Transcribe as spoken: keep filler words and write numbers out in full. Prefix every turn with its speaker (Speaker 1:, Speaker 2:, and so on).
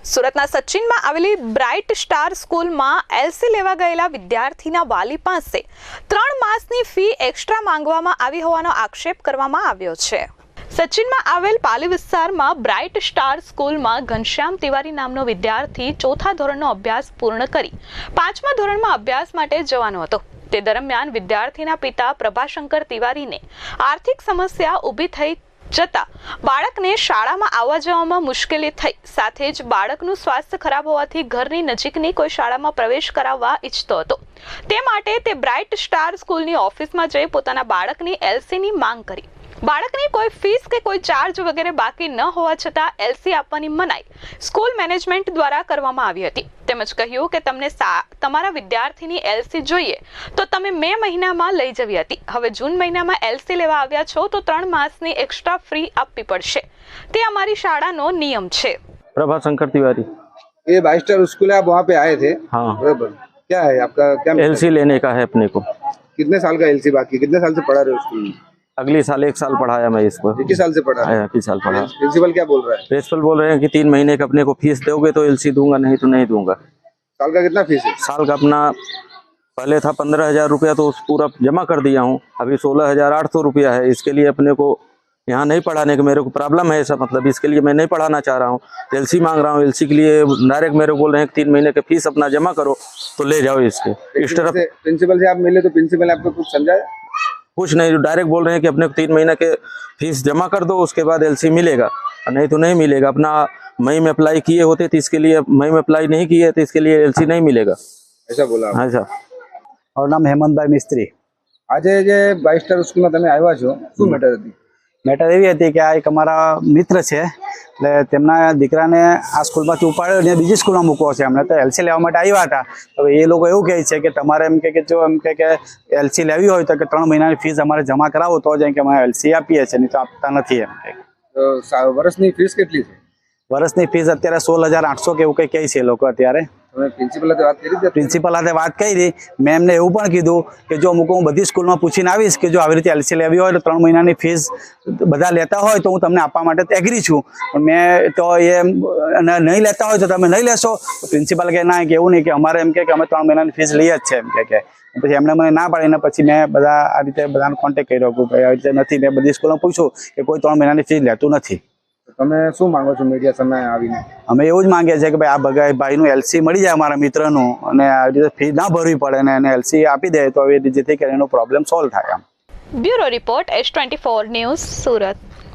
Speaker 1: સુરતના સચિનમાં આવેલી bright star સ્કૂલમાં એલસી લેવા ગયેલા વિદ્યાર્થીના વાલી પાસે ત્રણ માસની ફી એક્સ્ટ્રા માંગવામાં આવી હોવાનો આક્ષેપ કરવામાં આવ્યો છે। સચિનમાં આવેલ પાલી વિસ્તારમાં બ્રાઇટ સ્ટાર સ્કૂલમાં ઘનશ્યામ તિવારી નામનો વિદ્યાર્થી ચોથા ધોરણનો અભ્યાસ પૂર્ણ કરી પાંચમા ધોરણમાં અભ્યાસ માટે જવાનો હતો। તે દરમિયાન વિદ્યાર્થીના પિતા પ્રભાશંકર તિવારીને આર્થિક સમસ્યા ઊભી થઈ જતા બાળકને શાળામાં આવવા જવામાં મુશ્કેલી થઈ, સાથે જ બાળકનું સ્વાસ્થ્ય ખરાબ હોવાથી ઘરની નજીકની કોઈ શાળામાં પ્રવેશ કરાવવા ઈચ્છતો હતો। તે માટે તે બ્રાઇટ સ્ટાર સ્કૂલની ઓફિસમાં જઈ પોતાના બાળકની એલસીની માંગ કરી। બાળકની કોઈ ફીસ કે કોઈ ચાર્જ વગેરે બાકી ન હોવા છતાં એલસી આપવાની મનાઈ સ્કૂલ મેનેજમેન્ટ દ્વારા કરવામાં આવી હતી। તેમજ કહ્યું કે તમને તમારા વિદ્યાર્થીની એલસી જોઈએ તો તમે મે મહિનામાં લઈ જવી હતી। હવે જૂન મહિનામાં એલસી લેવા આવ્યા છો તો ત્રણ માસની એક્સ્ટ્રા ફ્રી આપવી પડશે, તે અમારી શાળાનો નિયમ છે।
Speaker 2: प्रभाशंकर तिवारी,
Speaker 3: ये बाईस स्टार स्कूल है, आप वहाँ पे आए थे?
Speaker 2: हाँ।
Speaker 3: बराबर। क्या है आपका, क्या
Speaker 2: एलसी लेने का है अपने को।
Speaker 3: कितने साल का एलसी बाकी, कितने साल से पढ़ा रहे हो स्कूल में?
Speaker 2: अगले साल एक साल पढ़ाया मैं इसको।
Speaker 3: एक ही साल से पढ़ा?
Speaker 2: एक ही साल पढ़ा।
Speaker 3: प्रिंसिपल क्या बोल रहा है?
Speaker 2: प्रिंसिपल बोल रहे हैं कि तीन महीने का अपने को फीस दोगे तो एलसी दूंगा, नहीं तो नहीं दूंगा।
Speaker 3: साल का कितना फीस है?
Speaker 2: साल का अपना पहले था पंद्रह हजार रुपया, तो पूरा जमा कर दिया हूँ। अभी सोलह हजार आठ सौ रुपया है। इसके लिए अपने को यहाँ नहीं पढ़ाने का मेरे को प्रॉब्लम है ऐसा, मतलब इसके लिए मैं नहीं पढ़ाना चाह रहा हूँ। एलसी मांग रहा हूँ। एलसी के लिए डायरेक्ट मेरे को बोल रहे हैं कि तीन महीने के फीस अपना जमा करो तो ले जाओ इसके। इस तरफ
Speaker 3: प्रिंसिपल से आप मिले तो प्रिंसिपल ने आपको कुछ समझाया?
Speaker 2: कुछ नहीं, डायरेक्ट बोल रहे हैं कि अपने को तीन महीने के फीस जमा कर दो, उसके बाद एलसी मिलेगा, नहीं तो नहीं मिलेगा। अपना मई में अप्लाई किए होते तो इसके लिए, मई में अप्लाई नहीं किए तो इसके लिए एलसी नहीं मिलेगा,
Speaker 3: ऐसा बोला।
Speaker 2: हाँ सर।
Speaker 4: और नाम हेमंत भाई मिस्त्री।
Speaker 3: आज जे बाईस स्टार स्कूल में તમે આવ્યા છો, શું મેટર હતી?
Speaker 4: મેટર એવી હતી કે આ એક અમારા મિત્ર છે, એટલે તેમના દીકરાને આ સ્કૂલમાંથી ઉપાડ્યો અને બીજી સ્કૂલમાં મૂકવો છે એમણે, તો એલસી લેવા માટે આવ્યા હતા। હવે એ લોકો એવું કહે છે કે તમારે એમ કે જો એમ કે એલસી લેવી હોય તો કે ત્રણ મહિનાની ફીસ અમારે જમા કરાવો તો જ કે અમે એલસી આપીએ છીએ, નહીં તો આપતા નથી એમ કે।
Speaker 3: તો વર્ષની ફીસ કેટલી છે?
Speaker 4: વર્ષની ફીસ અત્યારે સોળ હજાર આઠસો કે એવું કંઈ કહે છે એ લોકો અત્યારે।
Speaker 3: તમે પ્રિન્સિપલ સાથે વાત કરી હતી?
Speaker 4: પ્રિન્સિપલ સાથે વાત કરી, મેં એમને એવું પણ કીધું કે જો અમુક હું બધી સ્કૂલમાં પૂછીને આવીશ કે જો આવી રીતે એલસી લેવી હોય તો ત્રણ મહિનાની ફીસ બધા લેતા હોય તો હું તમને આપવા માટે એગ્રી છું, પણ મેં તો એ નહીં લેતા હોય તો તમે નહીં લેશો? તો પ્રિન્સિપલ કહે ના, કે એવું નહીં, કે અમારે એમ કે અમે ત્રણ મહિનાની ફીસ લઈએ જ છે એમ કે। પછી એમણે મને ના પાડીને પછી મેં બધા આ રીતે બધાને કોન્ટેક્ટ કર્યો કે ભાઈ આવી રીતે નથી। મેં બધી સ્કૂલમાં પૂછ્યું કે કોઈ ત્રણ મહિનાની ફીસ લેતું નથી।
Speaker 3: તમે શું માંગો છો મીડિયા સામે આવીને?
Speaker 4: અમે એવું જ માંગીએ છીએ કે ભાઈ આ બગાઈ ભાઈનું એલસી મળી જાય અમારા મિત્રનું, અને આવી રીતે ફી ના ભરવી પડે ને એને એલસી આપી દે તો જેથી કરીને એનો પ્રોબ્લેમ સોલ્વ થાય।
Speaker 1: Bureau report S twenty four news, Surat.